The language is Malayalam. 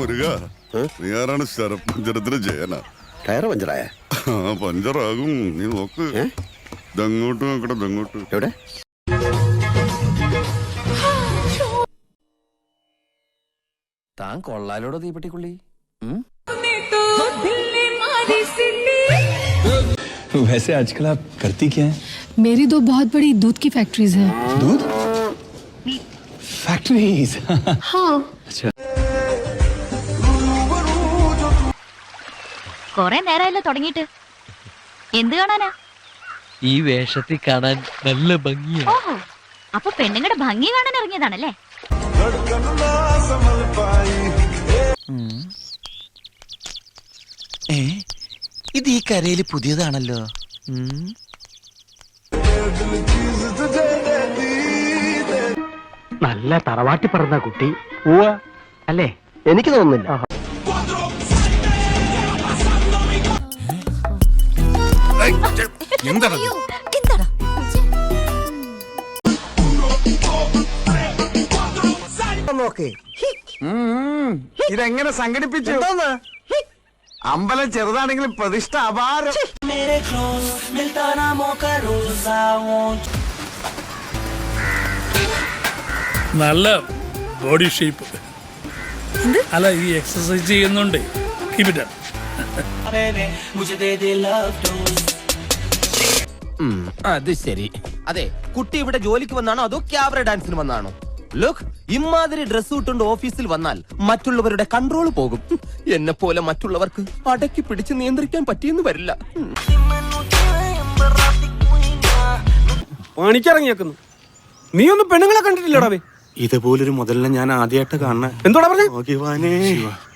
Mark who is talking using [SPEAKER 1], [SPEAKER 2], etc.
[SPEAKER 1] മുരുക നീ ആരാണ് ശരപഞ്ചരത്തിന് ജയന?
[SPEAKER 2] ടയർ പഞ്ചറായ?
[SPEAKER 1] പഞ്ചറാകും, നീ നോക്ക്. ഇതങ്ങോട്ട് നോക്കട്ടെ, ഇതങ്ങോട്ട്.
[SPEAKER 2] എവിടെ?
[SPEAKER 3] താൻ കൊള്ളാലോടോ തീപ്പെട്ടിക്കുള്ളി.
[SPEAKER 4] वैसे आजकल आप करती क्या हैं?
[SPEAKER 5] मेरी 2 बहुत बड़ी दूध की फैक्ट्रीज हैं।
[SPEAKER 4] दूध फैक्ट्रीज?
[SPEAKER 5] हाँ।
[SPEAKER 4] अच्छा।
[SPEAKER 6] കൊറേ നേരമല്ലോ തുടങ്ങിയിട്ട്. എന്ത് കാണാനാ?
[SPEAKER 7] ഈ വേഷത്തിൽ കാണാൻ നല്ല ഭംഗിയാ.
[SPEAKER 6] ഓഹോ, അപ്പൊ പെണ്ണുങ്ങളുടെ ഭംഗി കാണാൻ ഇറങ്ങിയതാണല്ലേ?
[SPEAKER 3] ഇത് ഈ കരയില് പുതിയതാണല്ലോ.
[SPEAKER 8] നല്ല തറവാട്ടി പറഞ്ഞ കുട്ടി അല്ലേ?
[SPEAKER 2] എനിക്ക് തോന്നുന്നില്ല.
[SPEAKER 1] എന്താടാ
[SPEAKER 6] എന്താടാ?
[SPEAKER 9] ഇതെങ്ങനെ സംഘടിപ്പിച്ചു? അമ്പലം ചെറുതാണെങ്കിലും പ്രതിഷ്ഠ അപാരം.
[SPEAKER 10] നല്ല ബോഡി ഷേപ്പ്. അല്ല, ഈ എക്സസൈസ് ചെയ്യുന്നുണ്ട്.
[SPEAKER 3] അത് ശരി. അതെ, കുട്ടി ഇവിടെ ജോലിക്ക് വന്നാണോ അതോ ക്യാബറ ഡാൻസിന് വന്നാണോ? ലുക്ക്, ഇമാതിരി ഡ്രസ് ഇട്ടുകൊണ്ട് ഓഫീസിൽ വന്നാൽ മറ്റുള്ളവരുടെ കൺട്രോൾ പോകും. എന്നെ പോലെ മറ്റുള്ളവർക്ക് അടക്കി പിടിച്ച് നിയന്ത്രിക്കാൻ പറ്റിയെന്ന് വരില്ല.
[SPEAKER 8] പണിക്കിറങ്ങിയേക്കുന്നു. നീ ഒന്നും പെണ്ണുങ്ങളെ കണ്ടിട്ടില്ലടാ?
[SPEAKER 9] ഇതുപോലൊരു മുതലിനെ ഞാൻ ആദ്യമായിട്ട് കാണുന്ന.
[SPEAKER 8] എന്തോടാ പറഞ്ഞേ?